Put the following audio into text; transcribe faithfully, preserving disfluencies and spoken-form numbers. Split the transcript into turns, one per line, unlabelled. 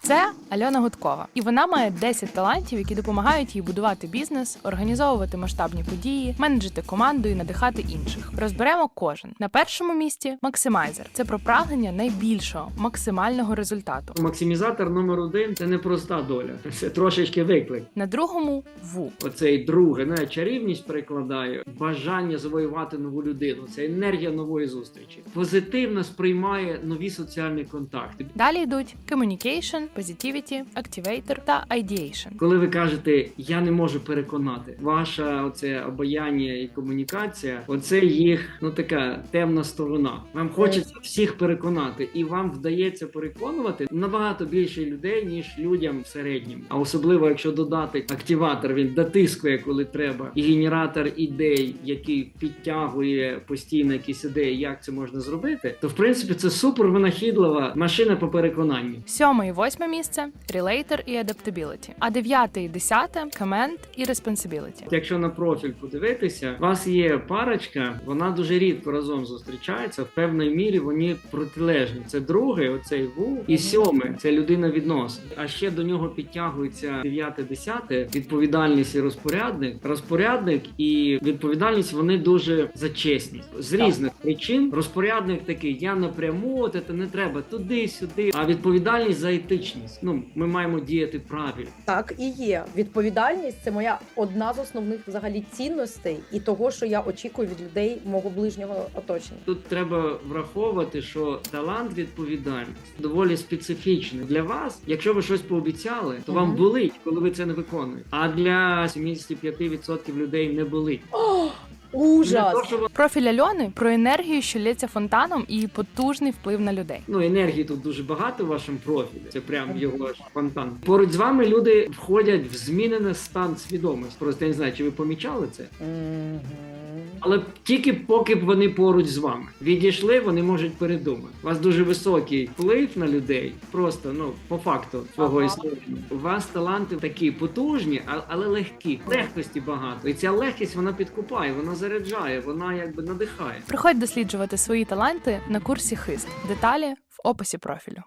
Це Альона Гудкова. І вона має десять талантів, які допомагають їй будувати бізнес, організовувати масштабні події, менеджити команду і надихати інших. Розберемо кожен. На першому місці – максимайзер. Це про прагнення найбільшого, максимального результату.
Максимізатор номер один – це не проста доля. Це трошечки виклик.
На другому – ву.
Оцей друге, не чарівність перекладаю, бажання завоювати нову людину. Це енергія нової зустрічі. Позитивно сприймає нові соціальні контакти.
Далі йдуть communication, positivity, activator та ideation.
Коли ви кажете, я не можу переконати, ваша оце обаяння і комунікація, оце їх, ну така темна сторона. Вам хочеться всіх переконати, і вам вдається переконувати набагато більше людей, ніж людям в середньому. А особливо, якщо додати активатор, він дотискує, коли треба, і генератор ідей, який підтягує постійно якісь ідеї, як це можна зробити, то в принципі це супер винахідлива машина по переконанню.
Сьоме і восьме місце – relator і adaptability. А дев'яте і десяте – command і responsibility.
Якщо на профіль подивитися, у вас є парочка, вона дуже рідко разом зустрічається, в певній мірі вони протилежні. Це другий, оцей ву, і сьоме – це людина відносин. А ще до нього підтягується дев'яте, десяте – відповідальність і розпорядник. Розпорядник і відповідальність, вони дуже за чесність. З різних причин. Розпорядник такий, я напряму, от це не треба туди-сюди. А відповідальність за етичність. Ну, ми маємо діяти правильно.
Так і є. Відповідальність – це моя одна з основних взагалі цінностей і того, що я очікую від людей мого ближнього оточення.
Тут треба враховувати, що талант, відповідальність доволі специфічний. Для вас, якщо ви щось пообіцяли, то вам болить, коли ви це не виконуєте. А для сімдесят п'ять відсотків людей не болить.
Ужас!
Не то, що ви-
Профіль Альони – про енергію, що лється фонтаном і потужний вплив на людей.
Ну, енергії тут дуже багато в вашому профілі. Це прям його ж фонтан. Поруч з вами люди входять в змінений стан свідомості. Просто я не знаю, чи ви помічали це?
Мгм.
Але тільки поки б вони поруч з вами. Відійшли, вони можуть передумати. У вас дуже високий вплив на людей, просто, ну, по факту свого
Ага.
існування. У вас таланти такі потужні, а- але легкі. Легкості багато. І ця легкість, вона підкупає, вона заряджає, вона якби надихає.
Приходь досліджувати свої таланти на курсі «Хист». Деталі в описі профілю.